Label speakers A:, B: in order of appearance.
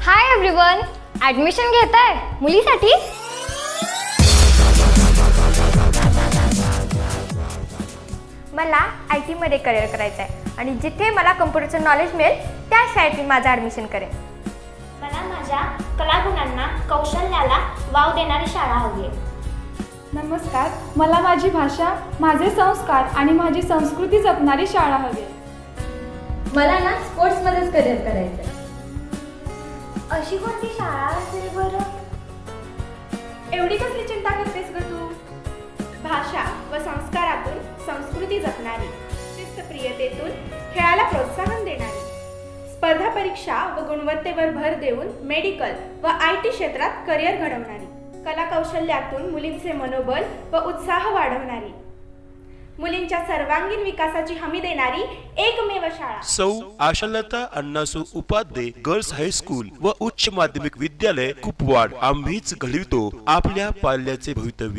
A: Hi everyone, admission घेताय मुलीसाठी? मला IT मध्ये करिअर करायचं आहे आणि जिथे मला कम्प्युटरचं नॉलेज मिळेल त्या शाळेत मी माझं ॲडमिशन करेन.
B: मला माझ्या कलागुणांना कौशल्याला वाव देणारी शाळा हवी आहे.
C: नमस्कार, मला माझी भाषा, माझे संस्कार आणि माझी संस्कृती जपणारी शाळा हवी आहे.
D: मला ना स्पोर्ट्समध्येच करिअर करायचं आहे.
B: अशी कोणती शाळा असेल बरं?
C: एवढी कसली चिंता करतेस ग तू? भाषा व संस्कारातून संस्कृती जपणारी, शिस्तप्रियतेतून खेळाला प्रोत्साहन देणारी, स्पर्धा परीक्षा व गुणवत्तेवर भर देऊन मेडिकल व IT क्षेत्रात करिअर घडवणारी, कला कौशल्यातून मुलींचे मनोबल व उत्साह वाढवणारी, मुलींच्या सर्वांगीण विकासाची हमी देणारी एकमेव शाळा.
E: सौ आशालता अण्णासू उपाध्ये गर्ल्स हायस्कूल व उच्च माध्यमिक विद्यालय कुपवाड. आम्हीच घडवितो आपल्या पाल्याचे भवितव्य.